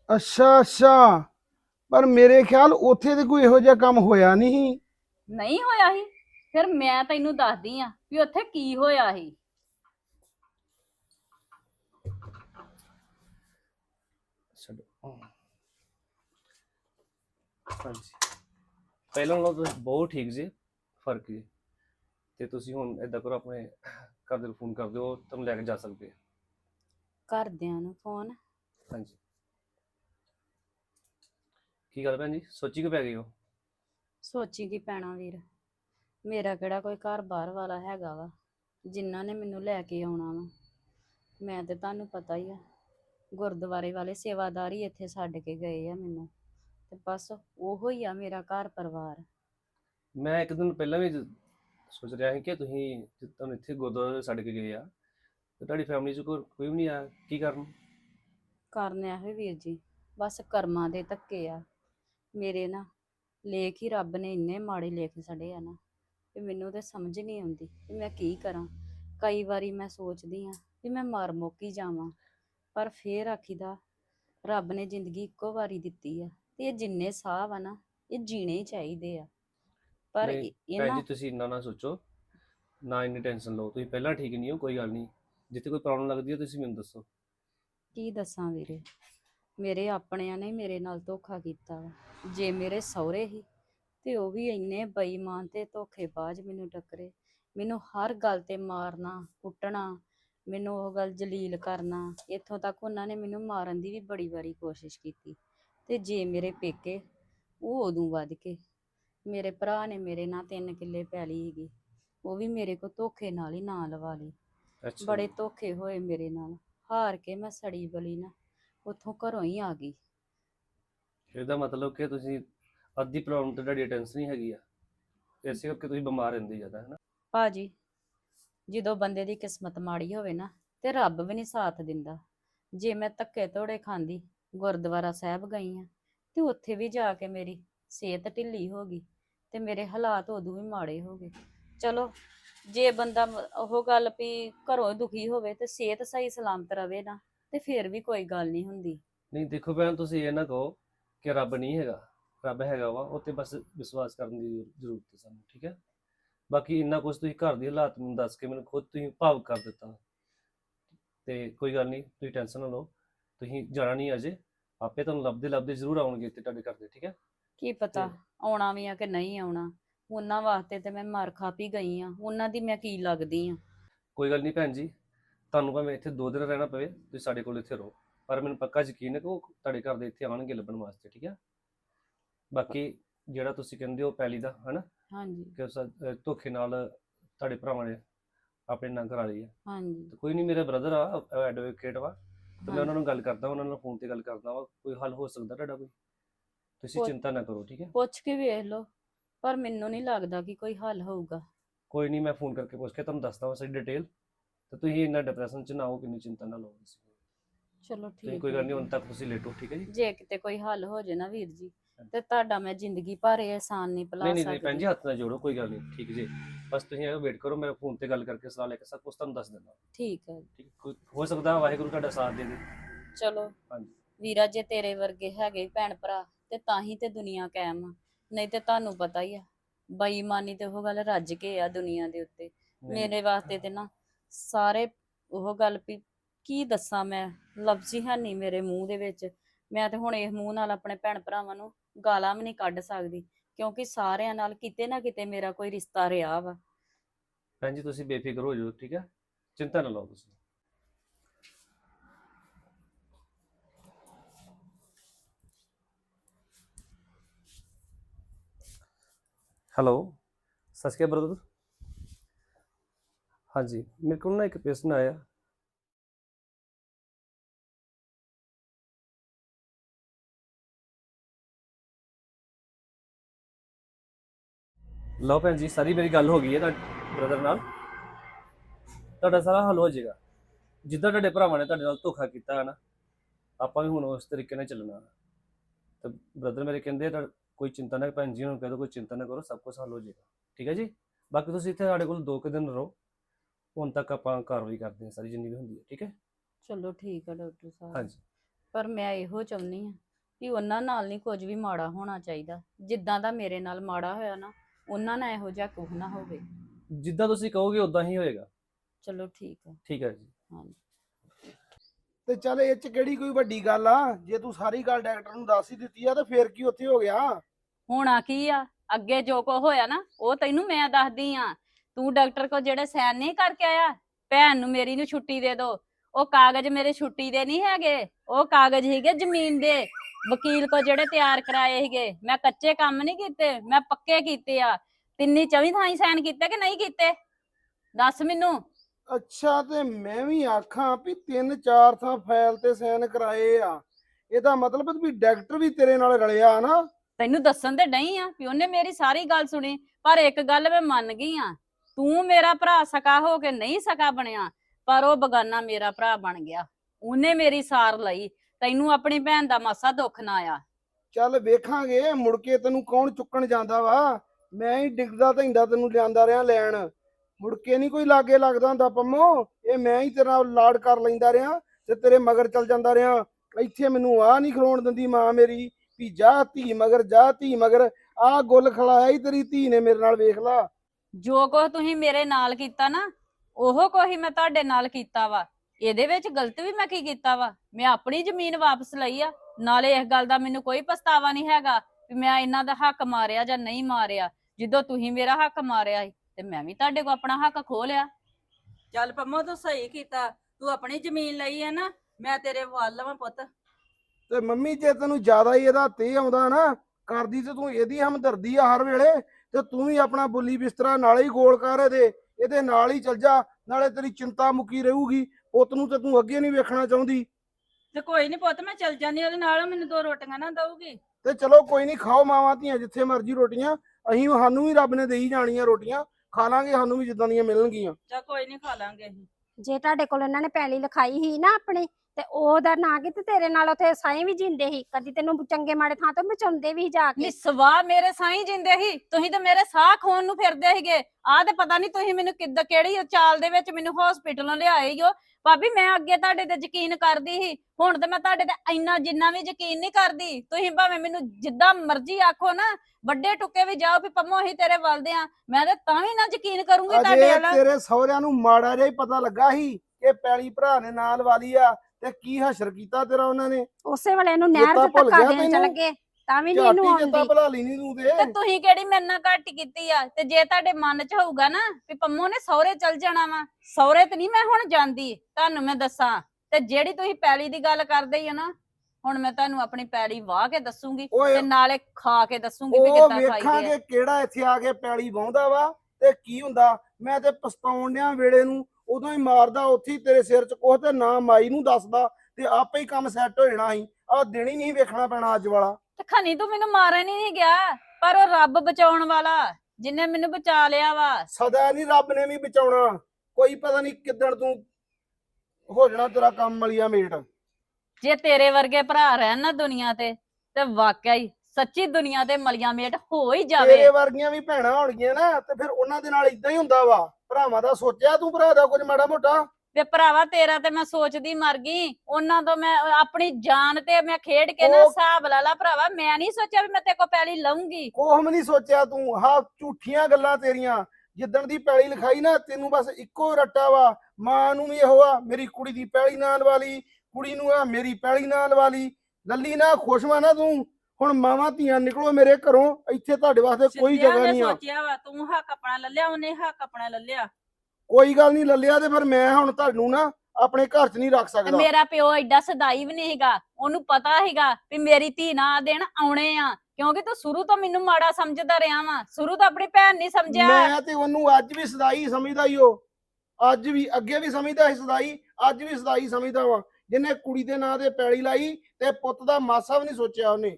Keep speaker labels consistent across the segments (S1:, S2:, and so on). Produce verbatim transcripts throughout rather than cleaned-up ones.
S1: ਅੱਛਾ ਅੱਛਾ। ਪਰ ਮੇਰੇ ਖਿਆਲ ਉੱਥੇ ਤੇ ਕੋਈ ਇਹੋ ਜਿਹਾ ਕੰਮ ਹੋਇਆ ਨਹੀਂ।
S2: ਨਹੀਂ ਹੋਇਆ ਸੀ? ਫਿਰ ਮੈਂ ਤੈਨੂੰ ਦੱਸਦੀ ਆ ਵੀ ਉੱਥੇ ਕੀ ਹੋਇਆ ਸੀ।
S3: ਛੱਡੋ। ਹਾਂਜੀ, ਪਹਿਲਾਂ ਨਾਲੋਂ ਤੁਸੀਂ ਬਹੁਤ ਠੀਕ ਜੀ, ਫਰਕ ਜੀ। ਤੇ ਤੁਸੀਂ ਹੁਣ ਏਦਾਂ ਕਰੋ, ਆਪਣੇ ਘਰਦਿਆਂ ਨੂੰ ਫੋਨ ਕਰ ਦਿਓ, ਤੁਹਾਨੂੰ ਲੈ ਕੇ ਜਾ ਸਕਦੇ ਆ।
S2: ਘਰਦਿਆਂ ਨੂੰ ਫੋਨ?
S3: ਹਾਂਜੀ। ਕੀ ਗੱਲ ਭੈਣ ਜੀ, ਸੋਚੀ ਕਿ ਪੈ ਗਈ ਹੋ?
S2: ਸੋਚੀ ਕੀ ਪੈਣਾ ਵੀਰ, ਮੇਰਾ ਕਿਹੜਾ ਕੋਈ ਘਰ ਬਾਹਰ ਵਾਲਾ ਹੈਗਾ ਵਾ ਜਿਨ੍ਹਾਂ ਨੇ ਮੈਨੂੰ ਲੈ ਕੇ ਆਉਣਾ ਵਾ। ਮੈਂ ਤੇ ਤੁਹਾਨੂੰ ਪਤਾ ਹੀ ਆ, ਗੁਰਦੁਆਰੇ ਵਾਲੇ ਸੇਵਾਦਾਰ ਹੀ ਇੱਥੇ ਛੱਡ ਕੇ ਗਏ ਆ ਮੈਨੂੰ, ਤੇ ਬਸ ਉਹੋ ਹੀ ਆ ਮੇਰਾ ਘਰ ਪਰਿਵਾਰ।
S3: ਮੈਂ ਇੱਕ ਦਿਨ ਪਹਿਲਾਂ ਵੀ ਸੋਚ ਰਿਹਾ ਸੀ ਕਿ ਤੁਸੀਂ ਤੁਹਾਨੂੰ ਇੱਥੇ ਗੁਰਦੁਆਰੇ ਛੱਡ ਕੇ ਗਏ ਆ, ਤੇ ਤੁਹਾਡੀ ਫੈਮਿਲੀ 'ਚ ਕੋਈ ਕੋਈ ਵੀ ਨਹੀਂ ਆਇਆ, ਕੀ ਕਾਰਨ?
S2: ਕਾਰਨ ਇਹੋ ਵੀਰ ਜੀ, ਬਸ ਕਰਮਾਂ ਦੇ ਧੱਕੇ ਆ ਮੇਰੇ ਨਾ। ਲੇਖ ਹੀ ਰੱਬ ਨੇ ਇੰਨੇ ਮਾੜੇ ਲਿਖ ਛੱਡੇ ਆ ਨਾ, ਤੇ ਮੈਨੂੰ ਤੇ ਸਮਝ ਨਹੀਂ ਆਉਂਦੀ ਕਿ ਮੈਂ ਕੀ ਕਰਾਂ। ਕਈ ਵਾਰੀ ਮੈਂ ਸੋਚਦੀ ਆ ਕਿ ਮੈਂ ਮਰ ਮੁੱਕ ਹੀ ਜਾਵਾਂ, ਪਰ ਫੇਰ ਆਖੀਦਾ ਰੱਬ ਨੇ ਜ਼ਿੰਦਗੀ ਇੱਕੋ ਵਾਰੀ ਦਿੱਤੀ ਆ, ਤੇ ਇਹ ਜਿੰਨੇ ਸਾਹ ਵਾ ਨਾ, ਇਹ ਜੀਣੇ ਹੀ ਚਾਹੀਦੇ ਆ। ਪਰ
S3: ਨਹੀਂ
S2: ਇਹ
S3: ਭੈਣ
S2: ਇਹਨਾਂ
S3: ਜੀ, ਤੁਸੀਂ ਇੰਨਾ ਨਾ ਸੋਚੋ, ਨਾ ਇੰਨੀ ਟੈਨਸ਼ਨ ਲਓ। ਤੁਸੀਂ ਪਹਿਲਾਂ ਠੀਕ ਨਹੀਂ ਹੋ, ਕੋਈ ਗੱਲ ਨਹੀਂ। ਜਿੱਥੇ ਕੋਈ ਪ੍ਰੋਬਲਮ ਲੱਗਦੀ ਹੈ ਤੁਸੀਂ ਮੈਨੂੰ ਦੱਸੋ।
S2: ਕੀ ਦੱਸਾਂ ਵੀਰੇ, ਮੇਰੇ ਆਪਣਿਆਂ ਨੇ ਮੇਰੇ ਨਾਲ ਧੋਖਾ ਕੀਤਾ ਵਾ। ਜੇ ਮੇਰੇ ਸਹੁਰੇ ਹੀ, ਤੇ ਉਹ ਵੀ ਇੰਨੇ ਬੇਈਮਾਨ ਤੇ ਧੋਖੇਬਾਜ਼ ਮੈਨੂੰ ਟੱਕਰੇ। ਮੈਨੂੰ ਹਰ ਗੱਲ ਤੇ ਮਾਰਨਾ ਕੁੱਟਣਾ, ਮੈਨੂੰ ਉਹ ਗੱਲ ਜਲੀਲ ਕਰਨਾ, ਇੱਥੋਂ ਤੱਕ ਉਹਨਾਂ ਨੇ ਮੈਨੂੰ ਮਾਰਨ ਦੀ ਵੀ ਬੜੀ ਵਾਰੀ ਕੋਸ਼ਿਸ਼ ਕੀਤੀ। ਤੇ ਜੇ ਮੇਰੇ ਪੇਕੇ, ਉਹ ਉਦੋਂ ਵੱਧ ਕੇ। ਮੇਰੇ ਭਰਾ ਨੇ ਮੇਰੇ ਨਾਲ ਤਿੰਨ ਕਿੱਲੇ ਪੈਲੀ ਸੀਗੀ, ਉਹ ਵੀ ਮੇਰੇ ਕੋਲ ਧੋਖੇ ਨਾਲ ਹੀ ਨਾਂ ਲਵਾ ਲਈ।
S3: ਅੱਛਾ
S2: ਬੜੇ
S3: ਜੀ।
S2: ਧੋਖੇ ਹੋਏ ਮੇਰੇ ਨਾਲ, ਹਾਰ ਕੇ ਮੈਂ ਸੜੀ ਬਲੀ ਨਾ ਉੱਥੋਂ ਘਰੋਂ ਹੀ ਆ ਗਈ।
S3: ਇਹਦਾ ਮਤਲਬ ਕਿ ਤੁਸੀਂ ਅੱਧੀ ਪ੍ਰੋਬਲਮ ਤੇ ਤੁਹਾਡੀ ਟੈਨਸ਼ਨ ਹੀ ਹੈਗੀ ਆ, ਇਸੇ ਕਰਕੇ ਤੁਸੀਂ ਬਿਮਾਰ ਰਹਿੰਦੇ ਜ਼ਿਆਦਾ, ਹੈ ਨਾ?
S2: ਭਾਜੀ, ਜਦੋਂ ਬੰਦੇ ਦੀ ਕਿਸਮਤ ਮਾੜੀ ਹੋਵੇ ਨਾ, ਤੇ ਰੱਬ ਵੀ ਨਹੀਂ ਸਾਥ ਦਿੰਦਾ। ਜੇ ਮੈਂ ਧੱਕੇ ਧੋੜੇ ਖਾਂਦੀ ਗੁਰਦੁਆਰਾ ਸਾਹਿਬ ਗਈ ਆ, ਤੇ ਉੱਥੇ ਵੀ ਜਾ ਕੇ ਮੇਰੀ ਸਿਹਤ ਢਿੱਲੀ ਹੋ ਗਈ, ਤੇ ਮੇਰੇ ਹਾਲਾਤ ਉਦੋਂ ਵੀ ਮਾੜੇ ਹੋ ਗਏ। ਚਲੋ, ਜੇ ਬੰਦਾ ਮ- ਉਹ ਗੱਲ ਵੀ ਘਰੋਂ ਦੁਖੀ ਹੋਵੇ ਤੇ ਸਿਹਤ ਸਹੀ ਸਲਾਮਤ ਰਵੇ ਨਾ, ਤੇ ਫਿਰ ਵੀ ਕੋਈ ਗੱਲ ਨਹੀਂ ਹੁੰਦੀ।
S3: ਨਹੀਂ ਦੇਖੋ ਭੈਣ, ਤੁਸੀਂ ਇਹ ਨਾ ਕਹੋ ਕਿ ਰੱਬ ਨਹੀਂ ਹੈਗਾ। ਰੱਬ ਹੈਗਾ ਵਾ, ਉਹ ਤੇ ਬਸ ਵਿਸ਼ਵਾਸ ਕਰਨ ਦੀ ਜ਼ਰੂਰਤ ਹੈ ਸਾਨੂੰ, ਠੀਕ ਹੈ? ਬਾਕੀ ਇੰਨਾ ਕੁਝ ਤੁਸੀਂ ਘਰ ਦੀ ਹਾਲਾਤ ਮੈਨੂੰ ਦੱਸ ਕੇ ਮੈਨੂੰ ਖੁਦ ਤੁਸੀਂ ਭਾਵੁਕ ਕਰ ਦਿੱਤਾ। ਤੇ ਕੋਈ ਗੱਲ ਨਹੀਂ, ਤੁਸੀਂ ਟੈਨਸ਼ਨ ਨਾ ਲਓ। ਤੁਸੀਂ ਜਾਣਾ ਨਹੀਂ ਅਜੇ, ਆਪੇ ਤੁਹਾਨੂੰ ਲੱਭਦੇ ਲੱਭਦੇ ਜ਼ਰੂਰ ਆਉਣਗੇ ਇੱਥੇ ਤੁਹਾਡੇ ਘਰ ਦੇ, ਠੀਕ ਹੈ?
S2: ਕੀ ਪਤਾ
S3: ਤੇ
S2: ਆਉਣਾ ਵੀ ਆ ਕਿ ਨਹੀਂ ਆਉਣਾ, ਉਹਨਾਂ ਵਾਸਤੇ ਤੇ ਮੈਂ ਮਰ ਖਾ ਪੀ ਗਈ ਆ, ਉਹਨਾਂ ਦੀ ਮੈਂ ਕੀ ਲੱਗਦੀ ਆ।
S3: ਕੋਈ ਗੱਲ ਨਹੀਂ ਭੈਣ ਜੀ, ਤੁਹਾਨੂੰ ਭਾਵੇਂ ਇੱਥੇ ਦੋ ਦਿਨ ਰਹਿਣਾ ਪਵੇ, ਤੁਸੀਂ ਸਾਡੇ ਕੋਲ ਇੱਥੇ ਰਹੋ। ਪਰ ਮੈਨੂੰ ਪੱਕਾ ਯਕੀਨ ਹੈ ਕਿ ਉਹ ਤੁਹਾਡੇ ਘਰ ਦੇ ਇੱਥੇ ਆਉਣਗੇ ਲੱਭਣ ਵਾਸਤੇ, ਠੀਕ ਹੈ? ਬਾਕੀ ਜਿਹੜਾ ਤੁਸੀਂ ਕਹਿੰਦੇ ਹੋ ਪੈਲੀ ਦਾ, ਹੈ ਨਾ,
S2: ਹਾਂਜੀ
S3: ਕਿ ਉਸ ਅਹ ਧੋਖੇ ਨਾਲ ਤੁਹਾਡੇ ਭਰਾਵਾਂ ਨੇ ਆਪਣੇ ਨਾਂ ਕਰਾ ਲਈ ਹੈ,
S2: ਹਾਂਜੀ
S3: ਤੇ ਕੋਈ ਨਹੀਂ, ਮੇਰੇ ਬ੍ਰਦਰ ਆ, ਐਡਵੋਕੇਟ ਵਾ, ਤੇ ਮੈਂ ਉਹਨਾਂ
S2: ਹਾਂਜੀ।
S3: ਨਾਲ ਗੱਲ ਕਰਦਾ, ਉਹਨਾਂ ਨਾਲ ਫੋਨ ਤੇ ਗੱਲ ਕਰਦਾ ਵਾ, ਕੋਈ ਹੱਲ ਹੋ ਸਕਦਾ ਤੁਹਾਡਾ ਕੋਈ। ਤੁਸੀਂ
S2: ਪੁੱਛ
S3: ਚਿੰਤਾ ਨਾ ਕਰੋ, ਠੀਕ ਹੈ?
S2: ਪੁੱਛ ਕੇ ਵੇਖ ਲਓ, ਪਰ ਮੈਨੂੰ ਨਹੀਂ ਲੱਗਦਾ ਕਿ ਕੋਈ ਹੱਲ ਹੋਊਗਾ।
S3: ਕੋਈ ਨਹੀਂ, ਮੈਂ ਫੋਨ ਕਰਕੇ ਪੁੱਛ ਕੇ ਤੁਹਾਨੂੰ ਦੱਸਦਾ ਵਾ ਸਾਰੀ ਡਿਟੇਲ। ਤੇ ਤੁਸੀਂ ਇੰਨਾ ਡਿਪਰੈਸ਼ਨ ਚ ਨਾ ਆਓ, ਕਿੰਨੀ ਚਿੰਤਾ ਨਾ ਲਓ ਤੁਸੀਂ।
S2: ਚਲੋ
S3: ਤੁਸੀਂ
S2: ਠੀਕ
S3: ਕੋਈ
S2: ਹੈ
S3: ਗੱਲ ਨਹੀਂ, ਹੁਣ
S2: ਵੀਰ।
S3: ਤੱਕ ਤੁਸੀਂ ਲੇਟੋ, ਠੀਕ ਹੈ ਜੀ?
S2: ਜੇ ਕਿਤੇ ਕੋਈ ਹੱਲ ਹੋ ਜੇ ਨਾ ਵੀਰ ਜੀ, ਤੇ ਤੁਹਾਡਾ ਮੈਂ ਜ਼ਿੰਦਗੀ ਭਰ ਇਹ ਆਸਾਨ ਨਹੀਂ
S3: ਨਹੀਂ
S2: ਭੁਲਾ
S3: ਨਹੀਂ ਨਹੀਂ ਭੈਣ
S2: ਸਕਦੀ।
S3: ਜੀ, ਹੱਥ ਨਾ ਜੋੜੋ, ਕੋਈ ਗੱਲ ਨਹੀਂ, ਠੀਕ ਜੀ। ਬਸ ਤੁਸੀਂ ਇਹ ਵੇਟ ਕਰੋ, ਮੈਂ ਫੋਨ ਤੇ ਗੱਲ ਕਰਕੇ ਸਲਾਹ ਲੈ ਕੇ ਸਭ ਕੁਝ ਤੁਹਾਨੂੰ ਦੱਸ ਦਿੰਦਾ।
S2: ਠੀਕ ਹੈ।
S3: ਠੀਕ ਹੈ? ਕੋਈ ਹੋ ਸਕਦਾ ਵਾਹਿਗੁਰੂ ਤੁਹਾਡਾ ਸਾਥ ਦੇ ਦੇ।
S2: ਚਲੋ
S3: ਹਾਂਜੀ।
S2: ਵੀਰਾ, ਜੇ ਤੇਰੇ ਵਰਗੇ ਹੈਗੇ ਭੈਣ ਭਰਾ, ਤੇ ਤਾਂ ਹੀ ਤੇ ਦੁਨੀਆ ਕਾਇਮ ਆ। ਨਹੀਂ ਤੇ ਤੁਹਾਨੂੰ ਪਤਾ ਹੀ ਆ, ਬੇਈਮਾਨੀ ਤੇ ਉਹ ਗੱਲ ਰੱਜ ਕੇ ਆ ਦੁਨੀਆ ਦੇ ਉੱਤੇ।
S3: ਨਹੀਂ
S2: ਮੇਰੇ ਵਾਸਤੇ ਤੇ ਨਾ ਸਾਰੇ ਉਹ ਗੱਲ ਵੀ ਕੀ ਦੱਸਾਂ ਮੈਂ, ਲਫ਼ਜ਼ ਹੀ ਹੈ ਨਹੀਂ ਮੇਰੇ ਮੂੰਹ ਦੇ ਵਿੱਚ। ਮੈਂ ਤੇ ਹੁਣ ਇਸ ਮੂੰਹ ਨਾਲ ਆਪਣੇ ਭੈਣ ਭਰਾਵਾਂ ਨੂੰ ਗਾਲਾਂ ਵੀ ਨਹੀਂ ਕੱਢ ਸਕਦੀ, ਕਿਉਂਕਿ ਸਾਰਿਆਂ ਨਾਲ ਕਿਤੇ ਨਾ ਕਿਤੇ ਮੇਰਾ ਕੋਈ ਰਿਸ਼ਤਾ ਰਿਹਾ ਵਾ।
S3: ਭੈਣ ਜੀ, ਤੁਸੀਂ ਬੇਫਿਕਰ ਹੋ ਜਾਓ, ਠੀਕ ਹੈ? ਚਿੰਤਾ ਨਾ ਲਓ ਤੁਸੀਂ। ਹੈਲੋ, ਸਤਿ ਸ਼੍ਰੀ ਅਕਾਲ ਬ੍ਰਦਰ। ਹਾਂਜੀ, ਮੇਰੇ ਕੋਲ ਨਾ ਇੱਕ ਪੇਸ਼ੈਂਟ ਆਇਆ। ਲਓ ਭੈਣ ਜੀ, ਸਾਰੀ ਮੇਰੀ ਗੱਲ ਹੋ ਗਈ ਹੈ ਤੁਹਾਡੇ ਬ੍ਰਦਰ ਨਾਲ। ਤੁਹਾਡਾ ਸਾਰਾ ਹੱਲ ਹੋ ਜਾਏਗਾ। ਜਿੱਦਾਂ ਤੁਹਾਡੇ ਭਰਾਵਾਂ ਨੇ ਤੁਹਾਡੇ ਨਾਲ ਧੋਖਾ ਕੀਤਾ ਹੈ ਨਾ, ਆਪਾਂ ਵੀ ਹੁਣ ਉਸ ਤਰੀਕੇ ਨਾਲ ਚੱਲਣਾ। ਤੇ ਬ੍ਰਦਰ ਮੇਰੇ ਕਹਿੰਦੇ ਤਾਂ ਕੋਈ ਚਿੰਤਾ ਨਾ, ਭੈਣ ਜੀ ਨੂੰ ਕਹਿ ਦਿਓ ਕੋਈ ਚਿੰਤਾ ਨਾ ਕਰੋ, ਸਭ ਕੁਝ ਹੱਲ ਹੋ ਜਾਏਗਾ, ਠੀਕ ਹੈ ਜੀ? ਬਾਕੀ ਤੁਸੀਂ ਇੱਥੇ ਸਾਡੇ ਕੋਲ ਦੋ ਕੁ ਦਿਨ ਰਹੋ, ਹੁਣ ਤੱਕ ਆਪਾਂ ਕਾਰਵਾਈ ਕਰਦੇ ਹਾਂ ਸਾਰੀ ਜਿੰਨੀ ਵੀ ਹੁੰਦੀ ਹੈ, ਠੀਕ ਹੈ?
S2: ਚਲੋ ਠੀਕ ਆ ਡਾਕਟਰ ਸਾਹਿਬ।
S3: ਹਾਂਜੀ।
S2: ਪਰ ਮੈਂ ਇਹੋ ਚਾਹੁੰਦੀ ਆ ਕਿ ਉਹਨਾਂ ਨਾਲ ਨਹੀਂ ਕੁਝ ਵੀ ਮਾੜਾ ਹੋਣਾ ਚਾਹੀਦਾ। ਜਿੱਦਾਂ ਦਾ ਮੇਰੇ ਨਾਲ ਮਾੜਾ ਹੋਇਆ ਨਾ, ਉਹਨਾਂ ਨਾਲ ਇਹੋ ਜਿਹਾ ਕੁਝ ਨਾ ਹੋਵੇ।
S3: ਜਿੱਦਾਂ ਤੁਸੀਂ ਕਹੋਗੇ ਉਦਾਂ ਹੀ ਹੋਏਗਾ।
S2: ਚਲੋ ਠੀਕ ਆ।
S3: ਠੀਕ ਹੈ ਜੀ।
S2: ਹਾਂਜੀ।
S1: ਤੇ ਚੱਲ ਇਹ ਚ ਕਿਹੜੀ ਕੋਈ ਵੱਡੀ ਗੱਲ ਆ, ਜੇ ਤੂੰ ਸਾਰੀ ਗੱਲ ਡਾਕਟਰ ਨੂੰ ਦੱਸ ਹੀ ਦਿੱਤੀ ਆ ਤੇ ਫੇਰ ਕੀ ਉੱਥੇ ਹੋ ਗਿਆ।
S2: ਹੋਣਾ ਕੀ ਆ, ਅੱਗੇ ਜੋ ਕੋ ਹੋਇਆ ਨਾ ਉਹ ਤੈਨੂੰ ਮੈਂ ਦੱਸਦੀ ਆ। ਤੂੰ ਡਾਕਟਰ ਕੋ ਜਿਹੜੇ ਸਾਈਨ ਨਹੀਂ ਕਰਕੇ ਆਇਆ, ਭੈਣ ਨੂੰ ਮੇਰੀ ਨੂੰ ਛੁੱਟੀ ਦੇ ਦੋ, ਉਹ ਕਾਗਜ਼ ਮੇਰੇ ਛੁੱਟੀ ਦੇ ਨਹੀਂ ਹੈਗੇ, ਉਹ ਕਾਗਜ਼ ਸੀਗੇ ਜ਼ਮੀਨ ਦੇ। ਵਕੀਲ ਕੋ ਜਿਹੜੇ ਤਿਆਰ ਕਰਾਏ ਸੀਗੇ, ਮੈਂ ਕੱਚੇ ਕੰਮ ਨਹੀਂ ਕੀਤੇ, ਮੈਂ ਪੱਕੇ ਕੀਤੇ ਆ। ਤਿੰਨੀ ਚੌਵੀ ਥਾਈਂ ਸਾਈਨ ਕੀਤੇ ਕਿ ਨਹੀਂ ਕੀਤੇ, ਦੱਸ ਮੈਨੂੰ।
S1: ਅੱਛਾ, ਤੇ ਮੈਂ ਵੀ ਆਖਾਂ ਵੀ ਤਿੰਨ ਚਾਰ ਥਾਂ ਫਾਈਲ ਤੇ ਸਾਈਨ ਕਰਾਏ ਆ, ਇਹਦਾ ਮਤਲਬ ਵੀ ਡਾਕਟਰ ਵੀ ਤੇਰੇ ਨਾਲ ਰਲਿਆ ਨਾ।
S2: ਤੈਨੂੰ ਦੱਸਣ ਤੇ ਨਹੀਂ ਆ ਵੀ ਉਹਨੇ ਮੇਰੀ ਸਾਰੀ ਗੱਲ ਸੁਣੀ, ਪਰ ਇੱਕ ਗੱਲ ਮੈਂ ਮੰਨ ਗਈ ਆ, ਤੂੰ ਮੇਰਾ ਭਰਾ ਸਕਾ ਹੋ ਕੇ ਨਹੀਂ ਸਕਾ ਬਣਿਆ, ਪਰ ਉਹ ਬਗਾਨਾ ਮੇਰਾ ਭਰਾ ਬਣ ਗਿਆ। ਉਹਨੇ ਮੇਰੀ ਸਾਰ ਲਈ, ਤੈਨੂੰ ਆਪਣੀ ਭੈਣ ਦਾ ਮਾਸਾ ਦੁੱਖ ਨਾ ਆਇਆ।
S1: ਚੱਲ ਵੇਖਾਂਗੇ ਮੁੜ ਕੇ ਤੈਨੂੰ ਕੌਣ ਚੁੱਕਣ ਜਾਂਦਾ ਵਾ। ਮੈਂ ਹੀ ਡਿੱਗਦਾ ਧੈਂਦਾ ਤੈਨੂੰ ਲਿਆਂਦਾ ਰਿਹਾ ਲੈਣ, ਮੁੜ ਕੇ ਨਹੀਂ ਕੋਈ ਲਾਗੇ ਲੱਗਦਾ ਹੁੰਦਾ ਪੰਮੋ। ਇਹ ਮੈਂ ਹੀ ਤੇਰਾ ਲਾਡ ਕਰ ਲੈਂਦਾ ਰਿਹਾ ਤੇ ਤੇਰੇ ਮਗਰ ਚੱਲ ਜਾਂਦਾ ਰਿਹਾ। ਇੱਥੇ ਮੈਨੂੰ ਆਹ ਨਹੀਂ ਖਲੋਣ ਦਿੰਦੀ ਮਾਂ ਮੇਰੀ ਵੀ ਜਾ ਧੀ ਮਗਰ, ਜਾ ਧੀ ਮਗਰ। ਆਹ ਗੁੱਲ ਖਲਾਇਆ ਹੀ ਤੇਰੀ ਧੀ ਨੇ ਮੇਰੇ ਨਾਲ, ਵੇਖ ਲਾ।
S2: ਜੋ ਕੁਝ ਤੁਸੀਂ ਮੇਰੇ ਨਾਲ ਕੀਤਾ ਨਾ, ਉਹ ਕੋਈ ਮੈਂ ਤੁਹਾਡੇ ਨਾਲ ਕੀਤਾ ਵਾ। ਇਹਦੇ ਵਿੱਚ ਗਲਤ ਵੀ ਮੈਂ ਕੀ ਕੀਤਾ ਵਾ? ਮੈਂ ਆਪਣੀ ਜ਼ਮੀਨ ਵਾਪਸ ਲਈ ਆ, ਨਾਲੇ ਇਸ ਗੱਲ ਦਾ ਮੈਨੂੰ ਕੋਈ ਪਛਤਾਵਾ ਨਹੀਂ ਹੈਗਾ ਵੀ ਮੈਂ ਇਹਨਾਂ ਦਾ ਹੱਕ ਮਾਰਿਆ ਜਾਂ ਨਹੀਂ ਮਾਰਿਆ। ਜਦੋਂ ਤੁਸੀਂ ਮੇਰਾ ਹੱਕ ਮਾਰਿਆ ਸੀ ਤੇ ਮੈਂ ਵੀ ਤੁਹਾਡੇ ਕੋਲ ਆਪਣਾ ਹੱਕ ਖੋਹ ਲਿਆ।
S4: ਚੱਲ ਪੰਮੋ ਤੂੰ ਸਹੀ ਕੀਤਾ, ਤੂੰ ਆਪਣੀ ਜ਼ਮੀਨ ਲਈ ਹੈ ਨਾ, ਮੈਂ ਤੇਰੇ ਵੱਲ ਵਾਂ ਪੁੱਤ।
S1: ਤੇ ਮੰਮੀ ਜੇ ਤੈਨੂੰ ਜ਼ਿਆਦਾ ਹੀ ਇਹਦਾ ਤੇ ਆਉਂਦਾ ਨਾ ਕਰਦੀ, ਤੇ ਤੂੰ ਇਹਦੀ ਹਮਦਰਦੀ ਆ ਹਰ ਵੇਲੇ, ਤੇ ਤੂੰ ਵੀ ਆਪਣਾ ਬੁੱਲੀ ਬਿਸਤਰਾ ਨਾਲੇ ਹੀ ਗੋਲ ਕਰ ਇਹਦੇ ਇਹਦੇ ਨਾਲ ਹੀ ਚੱਲ ਜਾ, ਨਾਲੇ ਤੇਰੀ ਚਿੰਤਾ ਮੁੱਕੀ ਰਹੂਗੀ। ਪੁੱਤ ਨੂੰ ਤੇ ਤੂੰ ਅੱਗੇ ਨਹੀਂ ਵੇਖਣਾ ਚਾਹੁੰਦੀ।
S4: ਤੇ ਕੋਈ ਨਹੀਂ ਪੁੱਤ, ਮੈਂ ਚੱਲ ਜਾਂਦੀ ਉਹਦੇ ਨਾਲ, ਮੈਨੂੰ ਦੋ ਰੋਟੀਆਂ ਨਾ ਦਊਗੀ।
S1: ਤੇ ਚਲੋ ਕੋਈ ਨਹੀਂ, ਖਾਓ ਮਾਵਾਂ ਧੀਆਂ ਜਿੱਥੇ ਮਰਜ਼ੀ ਰੋਟੀਆਂ, ਅਸੀਂ ਸਾਨੂੰ ਵੀ ਰੱਬ ਨੇ ਦੇਈ ਜਾਣੀਆਂ ਰੋਟੀਆਂ, ਖਾ ਲਾਂਗੇ, ਸਾਨੂੰ ਵੀ ਜਿੱਦਾਂ ਦੀਆਂ ਮਿਲਣਗੀਆਂ।
S4: ਚੱਲ ਕੋਈ ਨਹੀਂ, ਖਾ ਲਾਂਗੇ ਅਸੀਂ।
S5: ਜੇ ਤੁਹਾਡੇ ਕੋਲ ਇਹਨਾਂ ਨੇ ਪੈਲੀ ਲਿਖਾਈ ਸੀ ਨਾ ਆਪਣੀ, ਤੇ ਉਹਦਾ ਨਾਂ ਕੀ, ਤੇ ਤੇਰੇ ਨਾਲ ਉੱਥੇ ਸਾਈਂ ਵੀ ਜਿੰਦੇ ਸੀ, ਕਦੀ ਤੈਨੂੰ ਚੰਗੇ ਮਾੜੇ ਥਾਂ ਤੋਂ ਬਚਾਉਂਦੇ ਵੀ ਜਾ ਕੇ।
S2: ਨਿਸਵਾ ਮੇਰੇ ਸਾਈਂ ਜਿੰਦੇ ਸੀ, ਤੁਸੀਂ ਤੇ ਮੇਰੇ ਸਾਹ ਖੋਣ ਨੂੰ ਫਿਰਦੇ ਸੀਗੇ। ਆਹ ਤੇ ਪਤਾ ਨਹੀਂ ਤੁਸੀਂ ਮੈਨੂੰ ਕਿੱਦਾਂ ਕਿਹੜੀ ਚਾਲ ਦੇ ਵਿੱਚ ਮੈਨੂੰ ਹਸਪੀਟਲੋਂ ਲਿਆਏ ਹੋ। ਭਾਬੀ ਮੈਂ ਅੱਗੇ ਤੁਹਾਡੇ ਤੇ ਯਕੀਨ ਕਰਦੀ ਸੀ, ਹੁਣ ਤੇ ਮੈਂ ਤੁਹਾਡੇ ਤੇ ਇੰਨਾ ਜਿੰਨਾ ਵੀ ਯਕੀਨ ਨਹੀਂ ਕਰਦੀ। ਤੁਸੀਂ ਭਾਵੇਂ ਮੈਨੂੰ ਜਿੱਦਾਂ ਮਰਜ਼ੀ ਆਖੋ ਨਾ, ਵੱਡੇ ਟੁੱਕੇ ਵੀ ਜਾਓ ਵੀ ਪੰਮੋ ਅਸੀਂ ਤੇਰੇ ਵੱਲਦੇ ਆ, ਮੈਂ ਤੇ ਤਾਂ ਵੀ ਨਾ ਯਕੀਨ ਕਰੂੰਗੀ ਤੁਹਾਡੇ
S1: ਅਜੇ
S2: ਵੱਲ।
S1: ਤੇਰੇ ਸਹੁਰਿਆਂ ਨੂੰ ਮਾੜਾ ਜਿਹਾ ਹੀ ਪਤਾ ਲੱਗਾ ਸੀ ਕਿ ਪੈਲੀ ਭਰਾ ਨੇ ਨਾਲ ਵਾਲੀ ਆ, ਤੇ ਕੀ ਹਸ਼ਰ ਕੀਤਾ ਤੇਰਾ ਉਹਨਾਂ ਨੇ।
S5: ਉਸੇ ਵੇਲੇ ਇਹਨੂੰ ਨਹਿਰ
S1: ਚੇਤਾ
S5: ਚ
S1: ਭੁੱਲ
S5: ਧੱਕਾ
S1: ਗਿਆ
S5: ਦੇਣ
S1: ਤੈਨੂੰ?
S5: ਚ ਲੱਗੇ, ਤਾਂ ਵੀ ਨਹੀਂ ਇਹਨੂੰ
S1: ਝਾਟੀ ਚੇਤਾ
S5: ਆਉਂਦੀ।
S1: ਭੁਲਾ ਲਈ ਨੀ ਤੂੰ ਤੇ।
S2: ਤੇ ਤੁਸੀਂ ਕਿਹੜੀ ਮੇਰੇ ਨਾਲ ਘੱਟ ਕੀਤੀ ਆ? ਤੇ ਜੇ ਤੁਹਾਡੇ ਮਨ 'ਚ ਹੋਊਗਾ ਨਾ ਵੀ ਪੰਮੋ ਨੇ ਸਹੁਰੇ ਚਲ ਜਾਣਾ ਵਾ, ਸਹੁਰੇ ਤੇ ਨਹੀਂ ਮੈਂ ਹੁਣ ਜਾਂਦੀ, ਤੁਹਾਨੂੰ ਮੈਂ ਦੱਸਾਂ। ਤੇ ਜਿਹੜੀ ਤੁਸੀਂ ਪੈਲੀ ਦੀ ਗੱਲ ਕਰਦੇ ਹੀ ਆ ਨਾ, ਹੁਣ ਮੈਂ ਤੁਹਾਨੂੰ ਆਪਣੀ ਪੈਲੀ ਵਾਹ ਕੇ ਦੱਸੂਗੀ
S1: ਓਏ
S2: ਤੇ ਨਾਲੇ ਖਾ ਕੇ ਦੱਸੂਗੀ ਵੀ
S1: ਉਹ
S2: ਕਿੱਦਾਂ ਖਾਈਦੀ ਆ।
S1: ਵੇਖਾਂਗੇ ਕਿਹੜਾ ਇੱਥੇ ਆ ਕੇ ਪੈਲੀ ਵਾਹੁੰਦਾ ਵਾ ਤੇ ਕੀ ਹੁੰਦਾ। ਮੈਂ ਤੇ ਪਛਤਾਉਣ ਡਿਆ ਵੇਲੇ ਨੂੰ, ਉਦੋਂ ਹੀ ਮਾਰਦਾ ਉੱਥੇ ਹੀ ਤੇਰੇ ਸਿਰ 'ਚ ਕੁਛ, ਤੇ ਨਾ ਮਾਈ ਨੂੰ ਦੱਸਦਾ ਤੇ ਆਪੇ ਹੀ ਕੰਮ ਸੈੱਟ ਹੋ ਜਾਣਾ ਸੀ। ਆਹ ਦਿਨ ਹੀ ਨਹੀਂ ਵੇਖਣਾ ਪੈਣਾ ਅੱਜ ਵਾਲਾ।
S2: ਤੇ ਖਨੀ ਤੂੰ ਮੈਨੂੰ ਮਾਰਨ ਹੀ ਨਹੀਂ ਗਿਆ, ਪਰ ਉਹ ਰੱਬ ਬਚਾਉਣ ਵਾਲਾ ਜਿਨੇ ਮੈਨੂੰ ਬਚਾ ਲਿਆ ਵਾ।
S1: ਸਦਾ ਨਹੀਂ ਰੱਬ ਨੇ ਵੀ ਬਚਾਉਣਾ, ਕੋਈ ਪਤਾ ਨਹੀਂ ਕਿੱਦਣ ਤੂੰ ਹੋ ਜਾਣਾ ਤੇਰਾ ਕੰਮ ਮਲੀਆ ਮੇਟ।
S2: ਜੇ ਤੇਰੇ ਵਰਗੇ ਭਰਾ ਰਹਿਣ ਨਾ ਦੁਨੀਆ ਤੇ ਤੇ ਵਾਕਿਆ ਹੀ ਸੱਚੀ ਦੁਨੀਆ ਤੇ ਮਲੀਆਂ ਮੇਟ ਹੋ ਹੀ ਜਾਵੇ।
S1: ਤੇਰੇ ਵਰਗੀਆਂ ਵੀ ਭੈਣਾਂ ਹੋਣਗੀਆਂ ਨਾ, ਤੇ ਫਿਰ ਉਹਨਾਂ ਦੇ ਨਾਲ ਇਦਾਂ ਹੀ ਹੁੰਦਾ ਵਾ। ਭਰਾਵਾਂ ਦਾ ਸੋਚਿਆ ਤੂੰ ਭਰਾ ਦਾ ਕੁਝ ਮਾੜਾ ਮੋਟਾ?
S2: ਵੇ ਭਰਾਵਾ ਤੇਰਾ ਤੇ ਮੈਂ ਸੋਚਦੀ ਮਰ ਗਈ, ਉਹਨਾਂ ਤੋਂ ਮੈਂ ਆਪਣੀ ਜਾਨ ਤੇ ਮੈਂ ਖੇਡ ਕੇ ਨਾ
S1: ਉਹ-
S2: ਹਿਸਾਬ ਲਾ ਲਾ ਭਰਾਵਾ। ਮੈਂ ਨਹੀਂ ਸੋਚਿਆ ਵੀ ਮੈਂ ਤੇਰੇ ਕੋ ਪੈਲੀ ਲਊਂਗੀ।
S1: ਕੋਹ ਵੀ ਨਹੀਂ ਸੋਚਿਆ ਤੂੰ। ਹਾਂ, ਝੂਠੀਆਂ ਗੱਲਾਂ ਤੇਰੀਆਂ। ਜਿੱਦਣ ਦੀ ਪੈਲੀ ਲਿਖਾਈ ਨਾ, ਤੈਨੂੰ ਬਸ ਇੱਕੋ ਰੱਟਾ ਵਾ, ਮਾਂ ਨੂੰ ਵੀ ਇਹੋ ਆ ਮੇਰੀ ਕੁੜੀ ਦੀ ਪੈਲੀ ਨਾਲ ਵਾਲੀ, ਕੁੜੀ ਨੂੰ ਆ ਮੇਰੀ ਪੈਲੀ ਨਾਲ ਵਾਲੀ। ਲੱਲੀ ਨਾ ਖੁਸ਼ ਵਾ ਨਾ ਤੂੰ। ਹੁਣ ਮਾਵਾਂ ਧੀਆਂ ਨਿਕਲੋ ਮੇਰੇ ਘਰੋਂ, ਇੱਥੇ ਤੁਹਾਡੇ ਵਾਸਤੇ ਕੋਈ
S4: ਸਿੰਧਿਆ
S1: ਜਗ੍ਹਾ
S4: ਨੇ
S1: ਨਹੀਂ ਆ।
S4: ਸੋਚਿਆ ਵਾ, ਤੂੰ ਹੱਕ ਆਪਣਾ ਲੈ ਲਿਆ, ਉਹਨੇ ਹੱਕ ਆਪਣਾ ਲੈ ਲਿਆ।
S1: ਕੋਈ ਗੱਲ ਨਹੀਂ ਲੱਲਿਆ, ਤੇ ਫਿਰ ਮੈਂ ਹੁਣ ਤੁਹਾਨੂੰ ਨਾ ਆਪਣੇ ਘਰ 'ਚ ਨਹੀਂ ਰੱਖ
S2: ਤੇ
S1: ਸਕਦਾ।
S2: ਮੇਰਾ ਪਿਓ ਐਡਾ ਸਦਾਈ ਵੀ ਨਹੀਂ ਹੈਗਾ, ਉਹਨੂੰ ਪਤਾ ਹੈਗਾ ਵੀ ਮੇਰੀ ਧੀ ਨਾ ਦੇਣ ਆਉਣੇ ਆ, ਕਿਉਂਕਿ ਤੂੰ ਸ਼ੁਰੂ ਤੋਂ ਮੈਨੂੰ ਮਾੜਾ ਸਮਝਦਾ ਰਿਹਾ ਵਾ, ਸ਼ੁਰੂ ਤੋਂ ਆਪਣੀ ਭੈਣ ਨਹੀਂ ਸਮਝਿਆ।
S1: ਮੈਂ ਤੇ ਉਹਨੂੰ ਅੱਜ ਵੀ ਸਦਾਈ ਸਮਝਦਾ ਹੀ, ਉਹ ਅੱਜ ਵੀ, ਅੱਗੇ ਵੀ ਸਮਝਦਾ ਸੀ ਸਦਾਈ, ਅੱਜ ਵੀ ਸਦਾਈ ਸਮਝਦਾ ਵਾ। ਜਿਹਨੇ ਕੁੜੀ ਦੇ ਨਾਂ ਤੇ ਪੈਲੀ ਲਾਈ ਤੇ ਪੁੱਤ ਦਾ ਮਾਸਾ ਵੀ ਨਹੀਂ ਸੋਚਿਆ ਉਹਨੇ।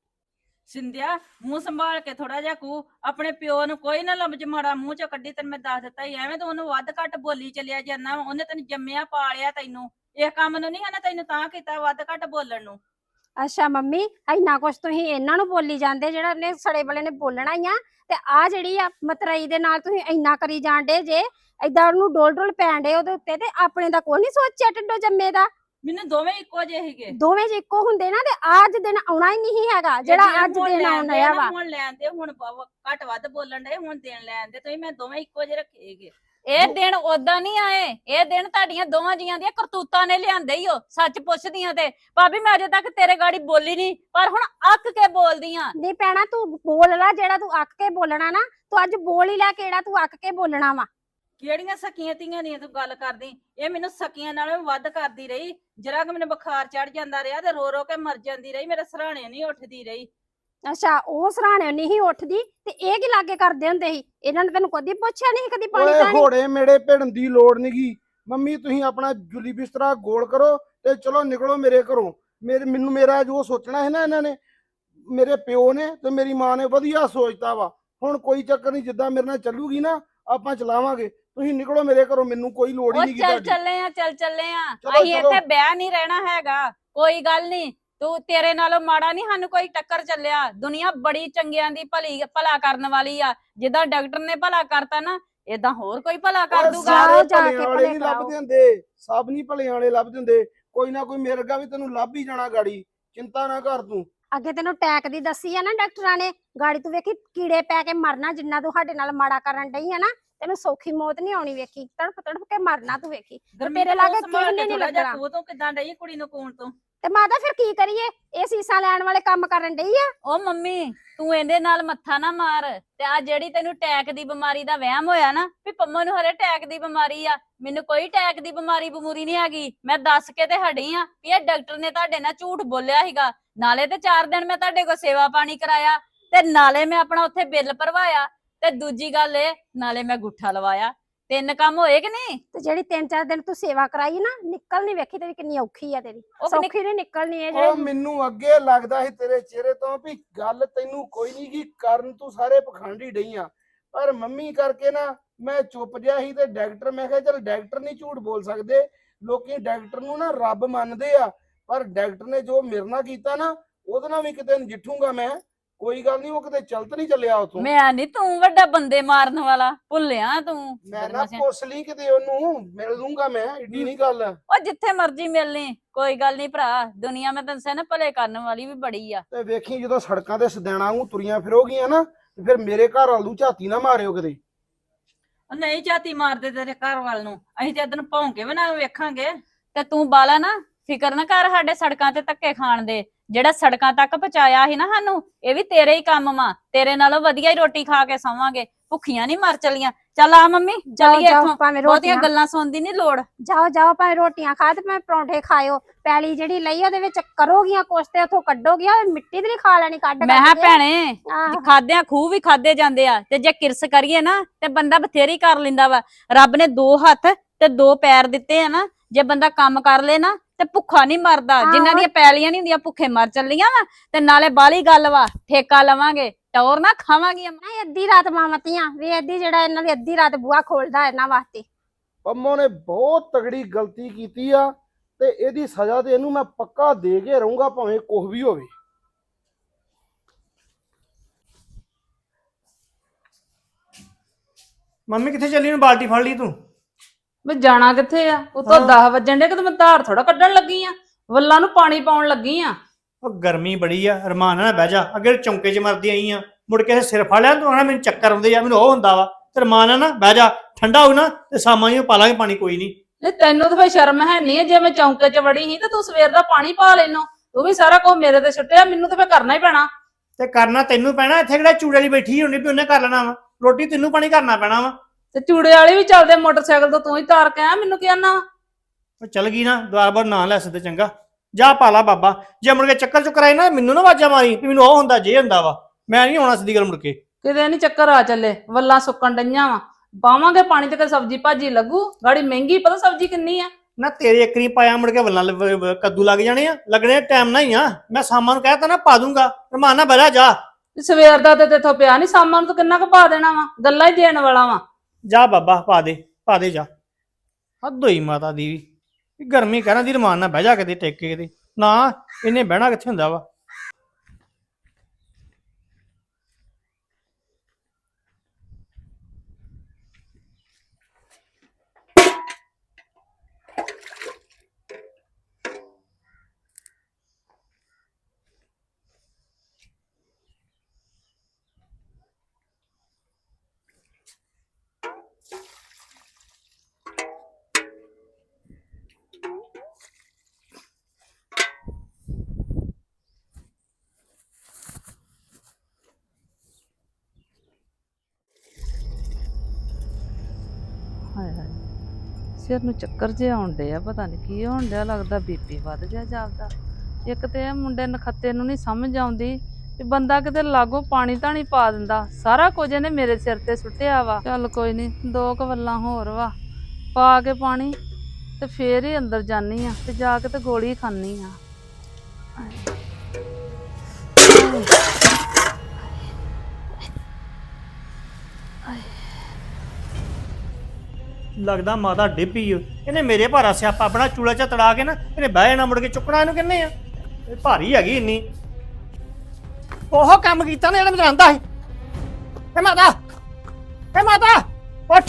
S4: ਸਿੰਧਿਆ ਮੂੰਹ ਸੰਭਾਲ ਕੇ ਥੋੜਾ ਜਿਹਾ ਕੂ, ਆਪਣੇ ਪਿਓ ਨੂੰ ਕੋਈ ਨਾ ਲਫ਼ਜ਼ ਮਾੜਾ ਮੂੰਹ ਚੋਂ ਕੱਢੀ। ਤੈਨੂੰ ਮੈਂ ਦੱਸ ਦਿੱਤਾ ਹੀ, ਐਵੇਂ ਤੂੰ ਉਹਨੂੰ ਵੱਧ ਘੱਟ ਬੋਲੀ ਚੱਲਿਆ ਜਾਂਦਾ ਵਾ। ਉਹਨੇ ਤੈਨੂੰ ਜੰਮਿਆ ਪਾਲਿਆ, ਤੈਨੂੰ ਇਹ ਕੰਮ ਨੂੰ ਨਹੀਂ ਹੈ ਨਾ ਤੈਨੂੰ ਤਾਂ ਕੀਤਾ ਵੱਧ ਘੱਟ ਬੋਲਣ ਨੂੰ।
S5: ਅੱਛਾ ਮੰਮੀ, ਇੰਨਾ ਕੁਛ ਤੁਸੀਂ ਇਹਨਾਂ ਨੂੰ ਬੋਲੀ ਜਾਂਦੇ, ਜਿਹੜਾ ਇਹਨੇ ਸੜੇ ਵਾਲੇ ਨੇ ਬੋਲਣਾ ਹੀ ਆ। ਤੇ ਆ ਜਿਹੜੀ ਆ ਮਤਰਈ ਦੇ ਨਾਲ ਤੁਸੀਂ ਇੰਨਾ ਕਰੀ ਜਾਂਦੇ ਜੇ, ਏਦਾਂ ਉਹਨੂੰ ਡੋਲ ਡੋਲ ਪੈਣ ਡੇ ਉਹਦੇ ਉੱਤੇ, ਤੇ ਆਪਣੇ ਦਾ ਕੋਈ ਨਹੀਂ ਸੋਚਿਆ ਟਿੱਡੋ ਜੰਮੇ ਦਾ।
S4: ਮੈਨੂੰ ਦੋਵੇਂ ਇੱਕੋ ਜਿਹੇ ਸੀਗੇ
S5: ਦੋਵੇਂ ਜੇ ਇੱਕੋ ਹੁੰਦੇ ਨਾ ਤੇ ਅੱਜ ਦਿਨ ਆਉਣਾ ਹੀ ਨਹੀਂ ਹੈਗਾ ਜਿਹੜਾ ਅੱਜ
S4: ਹੁਣ
S5: ਦਿਨ
S4: ਲੈਣ
S5: ਆਉਣ
S4: ਦੇ
S5: ਡਿਆ
S4: ਨਾ,
S5: ਵਾ।
S4: ਹੁਣ ਲੈਣ ਦੇ, ਹੁਣ ਬ- ਘੱਟ ਵੱਧ ਬੋਲਣ ਦੇ, ਹੁਣ ਦੇਣ ਲੈਣ ਦੇ, ਤੁਸੀਂ ਮੈਂ ਦੋਵੇਂ ਇੱਕੋ ਜਿਹੇ ਰੱਖੇ ਸੀਗੇ।
S2: ਇਹ ਦਿਨ ਓਦਾਂ ਨਹੀਂ ਆਏ, ਇਹ ਦਿਨ ਤੁਹਾਡੀਆਂ ਦੋਵਾਂ ਜੀਆਂ ਦੀਆਂ ਕਰਤੂਤਾਂ ਨੇ ਲਿਆਂਦੇ ਹੀ ਹੋ। ਸੱਚ ਪੁੱਛਦੀਆਂ ਤੇ ਭਾਬੀ ਮੈਂ ਅਜੇ ਤੱਕ ਤੇਰੇ ਗਾੜੀ ਬੋਲੀ ਨਹੀਂ, ਪਰ ਹੁਣ ਅੱਕ ਕੇ ਬੋਲਦੀ ਆ।
S5: ਨਹੀਂ ਪੈਣਾ ਤੂੰ ਬੋਲ ਲੈ, ਜਿਹੜਾ ਤੂੰ ਅੱਕ ਕੇ ਬੋਲਣਾ ਨਾ ਤੂੰ ਅੱਜ ਬੋਲ ਹੀ ਲੈ, ਕਿਹੜਾ ਤੂੰ ਅੱਕ ਕੇ ਬੋਲਣਾ ਵਾ।
S4: ਕਿਹੜੀਆਂ ਸਕੀਆਂ ਧੀਆਂ ਦੀਆਂ ਤੂੰ ਗੱਲ ਕਰਦੀ? ਇਹ ਮੈਨੂੰ ਸਕੀਆਂ ਨਾਲੋਂ ਵੀ ਵੱਧ ਕਰਦੀ ਰਹੀ। ਜਰਾ ਕਿ ਮੈਨੂੰ ਬੁਖਾਰ ਚੜ ਜਾਂਦਾ ਰਿਹਾ ਤੇ ਰੋ ਰੋ ਕੇ ਮਰ ਜਾਂਦੀ ਰਹੀ, ਮੇਰੇ ਸਰਾਣੇ ਨਹੀਂ ਉੱਠਦੀ ਰਹੀ।
S5: ਅੱਛਾ, ਉਹ ਸਰਾਣੇ ਨਹੀਂ ਉੱਠਦੀ ਤੇ ਇਹ ਕੀ ਲਾਗੇ ਕਰਦੇ ਹੁੰਦੇ ਸੀ? ਇਹਨਾਂ ਨੇ ਤੈਨੂੰ ਕਦੀ ਪੁੱਛਿਆ ਨਹੀਂ ਕਦੀ ਪਾਣੀ
S1: ਓਏ
S5: ਪਾਣੀ?
S1: ਘੋੜੇ ਮੇੜੇ ਭਿੜਨ ਦੀ ਲੋੜ ਨਹੀਂਗੀ ਮੰਮੀ, ਤੁਸੀਂ ਆਪਣਾ ਜੁਲੀ ਬਿਸਤਰਾ ਗੋਲ ਕਰੋ ਤੇ ਚਲੋ ਨਿਕਲੋ ਮੇਰੇ ਘਰੋਂ। ਮੇਰੇ ਮੈਨੂੰ ਮੇਰਾ ਜੋ ਸੋਚਣਾ ਹੈ ਨਾ, ਇਹਨਾਂ ਨੇ ਮੇਰੇ ਪਿਓ ਨੇ ਤੇ ਮੇਰੀ ਮਾਂ ਨੇ ਵਧੀਆ ਸੋਚਤਾ ਵਾ। ਹੁਣ ਕੋਈ ਚੱਕਰ ਨਹੀਂ, ਜਿੱਦਾਂ ਮੇਰੇ ਨਾਲ ਚੱਲੂਗੀ ਨਾ ਆਪਾਂ ਚਲਾਵਾਂਗੇ। ਤੁਸੀਂ ਨਿਕਲੋ ਮੇਰੇ ਘਰੋਂ, ਮੈਨੂੰ ਕੋਈ ਲੋੜ ਹੀ
S2: ਉਹ
S1: ਨਹੀਂ
S2: ਚੱਲ
S1: ਤੁਹਾਡੀ।
S2: ਚੱਲੇ ਆ, ਚੱਲ ਚੱਲੇ ਆ।
S1: ਚਲੋ,
S2: ਅਸੀਂ
S1: ਚਲੋ।
S2: ਇੱਥੇ ਬਹਿ ਨਹੀਂ ਰਹਿਣਾ ਹੈਗਾ, ਕੋਈ ਗੱਲ ਨਹੀਂ। ਤੂੰ ਤੇਰੇ ਨਾਲੋਂ ਮਾੜਾ ਨਹੀਂ ਸਾਨੂੰ ਕੋਈ ਟੱਕਰ ਚੱਲਿਆ। ਦੁਨੀਆ ਬੜੀ ਚੰਗਿਆਂ ਦੀ ਭਲੀ ਭਲਾ ਕਰਨ ਵਾਲੀ ਆ। ਜਿੱਦਾਂ ਡਾਕਟਰ ਨੇ ਭਲਾ ਕਰਤਾ ਨਾ, ਏਦਾਂ ਹੋਰ ਕੋਈ ਭਲਾ ਕਰ
S1: ਓਏ
S2: ਦੂਗਾ।
S5: ਜਾਓ
S1: ਸਾਰੇ
S5: ਜਾ
S1: ਭਲਿਆਂ
S5: ਕੇ
S1: ਵਾਲੇ
S5: ਭਲੇ
S1: ਨਹੀਂ
S5: ਕਰਾਓ।
S1: ਲੱਭਦੇ ਹੁੰਦੇ, ਸਭ ਨਹੀਂ ਭਲਿਆਂ ਵਾਲੇ ਲੱਭਦੇ ਹੁੰਦੇ। ਕੋਈ ਨਾ ਕੋਈ ਮਿਰਗਾ ਵੀ ਤੈਨੂੰ ਲੱਭ ਹੀ ਜਾਣਾ ਗਾੜੀ, ਚਿੰਤਾ ਨਾ ਕਰ ਤੂੰ।
S5: ਅੱਗੇ ਤੈਨੂੰ ਟੈਕ ਦੀ ਦੱਸੀ ਆ ਨਾ ਡਾਕਟਰਾਂ ਨੇ, ਗਾੜੀ ਤੂੰ ਵੇਖੀ ਕੀੜੇ ਪੈ ਕੇ ਮਰਨਾ, ਜਿੰਨਾ ਤੂੰ ਸਾਡੇ ਨਾਲ ਮਾੜਾ ਕਰਨ ਡਈ ਆ ਨਾ, ਤੈਨੂੰ ਸੌਖੀ ਮੌਤ ਨਹੀਂ ਆਉਣੀ। ਵੇਖੀ ਤੜਫ ਤੜਫ ਕੇ ਮਰਨਾ ਤੂੰ, ਵੇਖੀ ਤੇਰੇ ਲਾਗੇ ਕਿਸੇ ਨੇ ਨਹੀਂ ਲੱਗਣਾ।
S4: ਤੂੰ ਤੂੰ ਕਿਦਾਂ ਡਈ ਕੁੜੀ ਨੂੰ ਕੂਣ ਤੋਂ?
S5: ਤੇ ਮਾਤਾ ਫਿਰ ਕੀ ਕਰੀਏ? ਇਹ ਸੀਸਾ ਲੈਣ ਵਾਲੇ ਕੰਮ ਕਰਨ ਡਈ ਆ।
S2: ਉਹ ਮੰਮੀ ਤੂੰ ਇਹਦੇ ਨਾਲ ਮੱਥਾ ਨਾ ਮਾਰ। ਤੇ ਆ ਜਿਹੜੀ ਤੈਨੂੰ ਟੈਕ ਦੀ ਬਿਮਾਰੀ ਦਾ ਵਹਿਮ ਹੋਇਆ ਨਾ ਵੀ ਪੰਮੋ ਨੂੰ ਹਰੇ ਟੈਕ ਦੀ ਬਿਮਾਰੀ ਆ, ਮੈਨੂੰ ਕੋਈ ਟੈਕ ਦੀ ਬਿਮਾਰੀ ਬਮੂਰੀ ਨਹੀਂ ਹੈਗੀ। ਮੈਂ ਦੱਸ ਕੇ ਤੇ ਹਟੀ ਆ ਵੀ ਇਹ ਡਾਕਟਰ ਨੇ ਤੁਹਾਡੇ ਨਾਲ ਝੂਠ ਬੋਲਿਆ ਸੀਗਾ। ਨਾਲੇ ਤੇ ਚਾਰ ਦਿਨ ਮੈਂ ਤੁਹਾਡੇ ਕੋਲ ਸੇਵਾ ਪਾਣੀ ਕਰਾਇਆ, ਤੇ ਨਾਲੇ ਮੈਂ ਆਪਣਾ ਉੱਥੇ ਬਿੱਲ ਭਰਵਾਇਆ, ਤੇ ਦੂਜੀ ਗੱਲ ਇਹ ਨਾਲੇ ਮੈਂ ਗੁੱਠਾ ਲਵਾਇਆ। ਤਿੰਨ ਕੰਮ ਹੋਏ ਕਿ ਨਹੀਂ?
S5: ਤੇ ਜਿਹੜੀ ਤਿੰਨ ਚਾਰ ਦਿਨ ਤੂੰ ਸੇਵਾ ਕਰਾਈ ਨਾ, ਨਿਕਲ ਨਹੀਂ, ਵੇਖੀ ਤੇਰੀ ਕਿੰਨੀ ਔਖੀ ਆ। ਤੇਰੀ
S2: ਉਹ ਕਿੰਨੀ-
S5: ਸੌਖੀ ਨਹੀਂ ਨਿਕਲਣੀ ਇਹ
S1: ਉਹ
S5: ਜਿਹੜੀ।
S1: ਮੈਨੂੰ ਅੱਗੇ ਲੱਗਦਾ ਸੀ ਤੇਰੇ ਚਿਹਰੇ ਤੋਂ ਵੀ ਗੱਲ ਤੈਨੂੰ ਕੋਈ ਨਹੀਂ ਕੀ ਕਰਨ, ਤੂੰ ਸਾਰੇ ਪਖੰਡੀ ਡਈ ਆ। ਪਰ ਮੰਮੀ ਕਰਕੇ ਨਾ ਮੈਂ ਚੁੱਪ ਜਿਹਾ ਸੀ, ਤੇ ਡਾਕਟਰ, ਮੈਂ ਕਿਹਾ ਚਲ ਡਾਕਟਰ ਨਹੀਂ ਝੂਠ ਬੋਲ ਸਕਦੇ, ਲੋਕੀ ਡਾਕਟਰ ਨੂੰ ਨਾ ਰੱਬ ਮੰਨਦੇ ਆ। ਪਰ ਡਾਕਟਰ ਨੇ ਜੋ ਮੇਰੇ ਨਾਲ ਕੀਤਾ ਨਾ, ਉਹਦੇ ਨਾਲ ਵੀ ਕਿਤੇ ਨਜਿੱਠੂਗਾ ਮੈਂ। ਕੋਈ ਗੱਲ ਨਹੀਂ, ਉਹ ਕਿਤੇ ਚਲਤ ਨਹੀਂ ਚੱਲਿਆ ਉਥੋਂ।
S2: ਮੈਂ ਨਹੀਂ, ਤੂੰ ਵੱਡਾ ਬੰਦੇ ਮਾਰਨ ਵਾਲਾ ਭੁੱਲਿਆ ਤੂੰ।
S1: ਮੈਂ ਨਾ
S2: ਬਦਮਾਸ਼ਿਆ।
S1: ਪੁੱਛ ਲਈ ਕਿਤੇ, ਉਹਨੂੰ ਮਿਲ ਲੂੰਗਾ ਮੈਂ, ਏਡੀ ਨਹੀਂ ਗੱਲ।
S2: ਉਹ ਜਿੱਥੇ ਮਰਜ਼ੀ ਮਿਲਣੀ, ਕੋਈ ਗੱਲ ਨਹੀਂ ਭਰਾ। ਦੁਨੀਆ ਮੈਂ ਤੈਨੂੰ ਸੈਨ ਭਲੇ ਕਰਨ ਵਾਲੀ ਵੀ ਬੜੀ ਆ।
S1: ਤੇ ਵੇਖੀ ਜਦੋਂ ਸੜਕਾਂ ਤੇ ਸਦੈਣਾ ਨੂੰ ਤੁਰੀਆਂ ਫਿਰੋਗੀਆਂ ਨਾ, ਤੇ ਫਿਰ ਮੇਰੇ ਘਰ ਵਾਲੂ ਝਾਤੀ ਨਾ ਮਾਰਿਓ ਕਿਤੇ।
S4: ਉਹ ਨਹੀਂ ਝਾਤੀ ਮਾਰਦੇ ਤੇਰੇ ਘਰ ਵੱਲ ਨੂੰ, ਅਸੀਂ ਤੇ ਇਧਰ ਨੂੰ ਭੌਂਕੇ ਵੀ ਨਾ ਵੇਖਾਂਗੇ।
S2: ਤੇ ਤੂੰ ਬਾਲਾ ਨਾ ਫਿਕਰ ਨਾ ਕਰ ਸਾਡੇ ਸੜਕਾਂ ਤੇ ਧੱਕੇ ਖਾਣ ਦੇ। ਜਿਹੜਾ ਸੜਕਾਂ ਤੱਕ ਪਹੁੰਚਾਇਆ ਸੀ ਨਾ ਸਾਨੂੰ, ਇਹ ਵੀ ਤੇਰੇ ਹੀ ਕੰਮ ਵਾ। ਤੇਰੇ ਨਾਲੋਂ ਵਧੀਆ ਹੀ ਰੋਟੀ ਖਾ ਕੇ ਸੌਵਾਂਗੇ, ਭੁੱਖੀਆਂ ਨਹੀਂ ਮਰ ਚਲੀਆਂ। ਚੱਲ ਆ ਮੰਮੀ
S5: ਜਾਓ
S2: ਚੱਲੀਏ
S5: ਜਾਓ,
S2: ਇੱਥੋਂ,
S5: ਭਾਵੇਂ
S2: ਬਹੁਤੀਆਂ
S5: ਰੋਟੀਆਂ
S2: ਗੱਲਾਂ ਸੁਣਨ ਦੀ ਨਹੀਂ ਲੋੜ।
S5: ਜਾਓ ਜਾਓ, ਭਾਵੇਂ ਰੋਟੀਆਂ ਖਾ ਤੇ ਭਾਵੇਂ ਪਰੌਂਠੇ ਖਾਇਓ। ਪੈਲੀ ਜਿਹੜੀ ਲਈ ਉਹਦੇ ਵਿੱਚ ਕਰੋਗੀਆਂ ਕੁਛ ਤੇ ਉਥੋਂ ਕੱਢੋਗੀਆਂ, ਮਿੱਟੀ ਤੇ ਨਹੀਂ ਖਾ ਲੈਣੀ ਕੱਢ
S2: ਮੈਂ
S5: ਕੱਢ
S2: ਹਾਂ
S5: ਕੇ।
S2: ਭੈਣੇ,
S5: ਆਹੋ।
S2: ਖਾਦਿਆਂ ਖੂਹ ਵੀ ਖਾਦੇ ਜਾਂਦੇ ਆ, ਤੇ ਜੇ ਕਿਰਸ ਕਰੀਏ ਨਾ ਤੇ ਬੰਦਾ ਬਥੇਰੀ ਕਰ ਲੈਂਦਾ ਵਾ। ਰੱਬ ਨੇ ਦੋ ਹੱਥ ਤੇ ਦੋ ਪੈਰ ਦਿੱਤੇ ਆ ਨਾ, ਜੇ ਬੰਦਾ ਕੰਮ ਕਰ ਲੇ ਨਾ ਤੇ ਭੁੱਖਾ ਨਹੀਂ ਮਰਦਾ। ਜਿਨ੍ਹਾਂ
S5: ਆਹੋ।
S2: ਦੀਆਂ ਪੈਲੀਆਂ ਨਹੀਂ ਹੁੰਦੀਆਂ ਭੁੱਖੇ ਮਰ ਚੱਲੀਆਂ ਵਾ। ਤੇ ਨਾਲੇ ਬਾਲੀ ਗੱਲ ਵਾ, ਠੇਕਾ ਲਵਾਂਗੇ, ਟੌਰ ਨਾ ਖਾਵਾਂਗੀਆਂ।
S5: ਨਹੀਂ, ਅੱਧੀ ਰਾਤ ਮਾਮਤੀਆਂ ਵੀ ਅੱਧੀ, ਜਿਹੜਾ ਇਹਨਾਂ ਦੀ ਅੱਧੀ ਰਾਤ ਬੂਹਾ ਖੋਲਦਾ ਇਹਨਾਂ ਵਾਸਤੇ।
S1: ਪੰਮੋ ਨੇ ਬਹੁਤ ਤਗੜੀ ਗਲਤੀ ਕੀਤੀ ਆ, ਤੇ ਇਹਦੀ ਸਜ਼ਾ ਤੇ ਇਹਨੂੰ ਮੈਂ ਪੱਕਾ ਦੇ ਕੇ ਰਹੂੰਗਾ, ਭਾਵੇਂ ਕੁਝ ਵੀ ਹੋਵੇ।
S6: ਮੰਮੀ ਕਿੱਥੇ ਚੱਲੀ ਨੂੰ? ਬਾਲਟੀ ਫੜ ਲਈ ਤੂੰ?
S7: ਮੈਂ ਜਾਣਾ ਕਿੱਥੇ ਆ? ਉਤੋਂ
S6: ਹਾਂ।
S7: ਦਸ ਵੱਜਣ ਦੇ ਕਿ ਮੈਂ ਧਾਰ ਥੋੜਾ ਕੱਢਣ ਲੱਗੀ ਆ, ਵੱਲਾਂ ਨੂੰ ਪਾਣੀ ਪਾਉਣ ਲੱਗੀ ਆ।
S6: ਉਹ ਗਰਮੀ ਬੜੀ ਆ, ਰਮਾਨ ਨਾਲ ਬਹਿ ਜਾ। ਅੱਗੇ ਚੌਂਕੇ 'ਚ ਮਰਦੀ ਆਈ ਆ, ਮੁੜ ਕੇ ਸਿਰ ਫੜ ਲਿਆ ਤੂੰ, ਆਣਾ ਮੈਨੂੰ ਚੱਕਰ ਆਉਂਦੇ ਆ, ਮੈਨੂੰ ਉਹ ਹੁੰਦਾ ਵਾ। ਤੇ ਰਮਾਨ ਨਾਲ ਨਾ ਬਹਿ ਜਾ, ਠੰਡਾ ਹੋ ਨਾ ਤੇ ਸਾਮਾਂ ਨੂੰ ਪਾ ਲਾਂਗੇ ਪਾਣੀ, ਕੋਈ ਨਹੀਂ।
S7: ਨਹੀਂ ਤੈਨੂੰ ਤਾਂ ਫੇ ਸ਼ਰਮ ਹੈ ਨਹੀਂ, ਜੇ ਮੈਂ ਚੌਂਕੇ 'ਚ ਵੜੀ ਸੀ ਤੇ ਤੂੰ ਸਵੇਰ ਦਾ ਪਾਣੀ ਪਾ ਲੈਨੋ। ਤੂੰ ਵੀ ਸਾਰਾ ਕੁਝ ਮੇਰੇ ਤੇ ਸੁੱਟਿਆ, ਮੈਨੂੰ ਤਾਂ ਫੇ ਕਰਨਾ ਹੀ ਪੈਣਾ।
S6: ਤੇ ਕਰਨਾ ਤੈਨੂੰ ਪੈਣਾ, ਇੱਥੇ ਕਿਹੜਾ ਚੂੜੇ ਵਾਲੀ ਬੈਠੀ ਹੋਣੀ ਵੀ ਉਹਨੇ ਕਰ ਲੈਣਾ ਵਾ। ਰੋਟੀ ਤੈਨੂੰ ਪਾਣੀ ਕਰਨਾ ਪੈਣਾ ਵਾ।
S7: ਤੇ ਚੂੜੇ ਵਾਲੇ ਵੀ ਚੱਲਦੇ ਮੋਟਰਸਾਈਕਲ ਤੋਂ, ਤੂੰ ਹੀ ਤਾਰ ਕੇ ਆ, ਮੈਨੂੰ ਕੀ ਆਨਾ?
S6: ਉਹ ਚੱਲ ਗਈ ਨਾ, ਦੁਆਰ ਬਾਰ ਨਾ ਲੈ ਸਕਦੇ, ਚੰਗਾ ਜਾ ਪਾ ਲਾ ਬਾਬਾ। ਜੇ ਮੁੜ ਕੇ ਚੱਕਰ ਚੁੱਕਰ ਆਏ ਨਾ, ਮੈਨੂੰ ਨਾ ਆਵਾਜ਼ਾਂ ਮਾਰੀ ਵੀ ਮੈਨੂੰ ਉਹ ਹੁੰਦਾ ਜੇ ਹੁੰਦਾ ਵਾ। ਮੈਂ ਨਹੀਂ ਆਉਣਾ ਸਿੱਧੀ ਗੱਲ ਮੁੜ ਕੇ।
S7: ਕਿਤੇ ਨਹੀਂ ਚੱਕਰ ਆ ਚੱਲੇ, ਵੱਲਾਂ ਸੁੱਕਣ ਡਈਆਂ ਵਾ। ਪਾਵਾਂਗੇ ਪਾਣੀ ਤੇ ਕੋਈ ਸਬਜ਼ੀ ਭਾਜੀ ਲੱਗੂ। ਗਾੜੀ ਮਹਿੰਗੀ, ਪਤਾ ਸਬਜ਼ੀ ਕਿੰਨੀ ਆ।
S6: ਨਾ ਤੇਰੇ ਇੱਕ ਨਹੀਂ ਪਾਇਆ, ਮੁੜ ਕੇ ਵੱਲਾਂ ਲ- ਵ- ਵ- ਕੱਦੂ ਲੱਗ ਜਾਣੇ ਆ, ਲੱਗਣੇ ਟਾਈਮ ਨਾਲ ਹੀ ਆ। ਮੈਂ ਸਾਮਾਂ ਨੂੰ ਕਹਿਤਾ ਨਾ ਪਾ ਦੂੰਗਾ, ਰਮਾਨ ਨਾਲ ਬਹਿ ਜਾ।
S7: ਤੇ ਸਵੇਰ ਦਾ ਤੇ ਤੇਥੋਂ ਪਿਆ ਨਹੀਂ, ਸਾਮਾਂ ਨੂੰ ਤੂੰ ਕਿੰਨਾ ਕੁ ਪਾ ਦੇਣਾ ਵਾ? ਗੱਲਾਂ ਹੀ ਦੇਣ ਵਾਲਾ ਵਾ।
S6: ਜਾ ਬਾਬਾ ਪਾ ਦੇ, ਪਾ ਦੇ ਜਾ। ਹੱਦ ਹੋਈ ਮਾਤਾ ਦੀ ਵੀ, ਗਰਮੀ ਕਹਿਣਾ ਦੀ, ਰਮਾਨ ਨਾਲ ਬਹਿ ਜਾ ਕਿਤੇ ਟੇਕੇ ਕਿਤੇ ਨਾ। ਇਹਨੇ ਬਹਿਣਾ ਕਿੱਥੇ ਹੁੰਦਾ ਵਾ।
S7: ਸਿਰ ਨੂੰ ਚੱਕਰ ਜਿਹਾ ਆਉਣ ਡਿਆ ਪਤਾ ਨਹੀਂ ਕੀ ਹੋਣ ਡਿਆ ਲੱਗਦਾ ਬੀਪੀ ਵੱਧ ਗਿਆ ਜਾਪਦਾ। ਇੱਕ ਤੇ ਇਹ ਮੁੰਡੇ ਨਖੱਤੇ ਨੂੰ ਨਹੀਂ ਸਮਝ ਆਉਂਦੀ ਵੀ ਬੰਦਾ ਕਿਤੇ ਲਾਗੋਂ ਪਾਣੀ ਤਾਂ ਨਹੀਂ ਪਾ ਦਿੰਦਾ। ਸਾਰਾ ਕੁਝ ਇਹਨੇ ਮੇਰੇ ਸਿਰ ਤੇ ਸੁੱਟਿਆ ਵਾ। ਚੱਲ ਕੋਈ ਨਹੀਂ, ਦੋ ਕੁ ਵੱਲਾਂ ਹੋਰ ਵਾ ਪਾ ਕੇ ਪਾਣੀ ਤੇ ਫੇਰ ਹੀ ਅੰਦਰ ਜਾਨੀ ਆ ਤੇ ਜਾ ਕੇ ਤੇ ਗੋਲੀ ਖਾਨੀ ਆ।
S6: ਲੱਗਦਾ ਮਾਤਾ ਡਿੱਪੀ ਓ। ਇਹਨੇ ਮੇਰੇ ਭਾਰਾ ਸਿਆਪਾ ਆਪਣਾ ਚੂਲਾ ਚ ਤੜਾ ਕੇ ਨਾ ਇਹਨੇ ਬਹਿ ਜਾਣਾ, ਮੁੜ ਕੇ ਚੁੱਕਣਾ ਇਹਨੂੰ ਕਿੰਨੇ ਆ। ਇਹ ਭਾਰੀ ਹੈਗੀ ਇੰਨੀ। ਉਹ ਕੰਮ ਕੀਤਾ ਨਾ ਜਿਹੜਾ ਮੈਂ ਆਂਦਾ ਸੀ। ਏ ਮਾਤਾ, ਏ ਮਾਤਾ ਉੱਠ।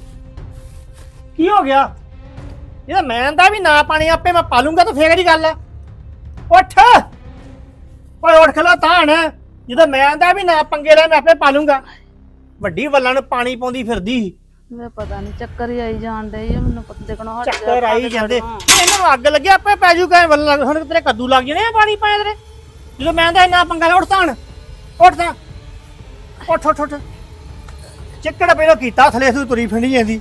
S6: ਕੀ ਹੋ ਗਿਆ? ਇਹਦਾ ਮੈਂ ਆਂਦਾ ਵੀ ਨਾ ਪਾਣੀ ਆਪੇ ਮੈਂ ਪਾ ਲੂੰਗਾ ਤਾਂ ਫੇਰ ਦੀ ਗੱਲ ਆ। ਉੱਠ ਓਏ, ਉੱਠ ਖਲੋ ਤਾਂ ਨਾ। ਜਦੋਂ ਮੈਂ ਆਂਦਾ ਵੀ ਨਾ ਪੰਗੇ ਲੈ ਮੈਂ ਆਪੇ ਪਾ ਲੂੰਗਾ, ਵੱਡੀ ਵੱਲਾਂ ਨੂੰ ਪਾਣੀ ਪਾਉਂਦੀ ਫਿਰਦੀ ਸੀ।
S7: ਮੈਂ ਪਤਾ ਨਹੀਂ ਚੱਕਰ ਹੀ ਆਈ ਜਾਣ ਡਈ ਆ ਮੈਨੂੰ। ਪਤਾ ਦੇਖਣੋਂ ਹਟ
S6: ਚੱਕਰ ਆਈ ਜਾਂਦੇ ਇਹਨਾਂ ਨੂੰ ਅੱਗ ਲੱਗਿਆ ਆਪੇ ਪੈ ਜੂਗਾ। ਵੱਲਾਂ ਹੁਣ ਤੇਰੇ ਕੱਦੂ ਲੱਗ ਜਾਣੇ ਆ ਪਾਣੀ ਪਾਏ ਤੇਰੇ। ਜਦੋਂ ਮੈਂ ਆਂਦਾ ਨਾ ਪੰਗਾ ਲੈ ਉੱਠ ਤਾਂ ਉੱਠ ਤਾਂ ਉੱਠ ਉੱਠ ਉੱਠ। ਚੱਕੜ ਪਹਿਲਾਂ ਕੀਤਾ ਥਲੇ ਤੂੰ ਤੁਰੀ ਫਿੰਡੀ ਜਾਂਦੀ।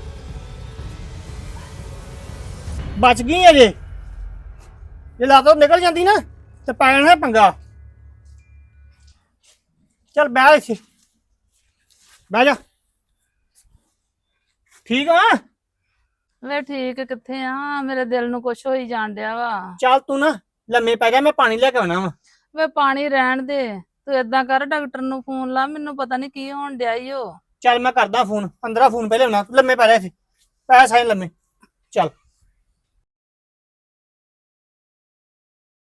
S6: ਬਚ ਗਈ ਅਜੇ, ਜੇ ਲਾਤੋਂ ਨਿਕਲ ਜਾਂਦੀ ਨਾ ਤੇ ਪੈ ਜਾਣਾ ਪੰਗਾ। ਚੱਲ ਬਹਿ ਇੱਥੇ, ਬਹਿ ਜਾ। ਠੀਕ ਆ?
S7: ਵੇ ਠੀਕ ਕਿੱਥੇ ਆ, ਮੇਰੇ ਦਿਲ ਨੂੰ ਕੁਛ ਹੋਈ ਜਾਣ ਡਿਆ ਵਾ।
S6: ਚੱਲ ਤੂੰ ਨਾ ਲੰਮੇ ਪੈ ਜਾ, ਮੈਂ ਪਾਣੀ ਲੈ ਕੇ ਆਉਣਾ ਵਾ।
S7: ਵੇ ਪਾਣੀ ਰਹਿਣ ਦੇ, ਤੂੰ ਏਦਾਂ ਕਰ ਡਾਕਟਰ ਨੂੰ ਫੋਨ ਲਾ, ਮੈਨੂੰ ਪਤਾ ਨਹੀਂ ਕੀ ਹੋਣ ਡਿਆ ਈ ਓ।
S6: ਚੱਲ ਮੈਂ ਕਰਦਾ ਫੋਨ, ਪੰਦਰਾਂ ਫੋਨ ਪਹਿਲੇ ਆਉਣਾ। ਲੰਮੇ ਪੈ ਜਾ ਇੱਥੇ, ਪੈ ਸਾਈਂ ਲੰਮੇ। ਚੱਲ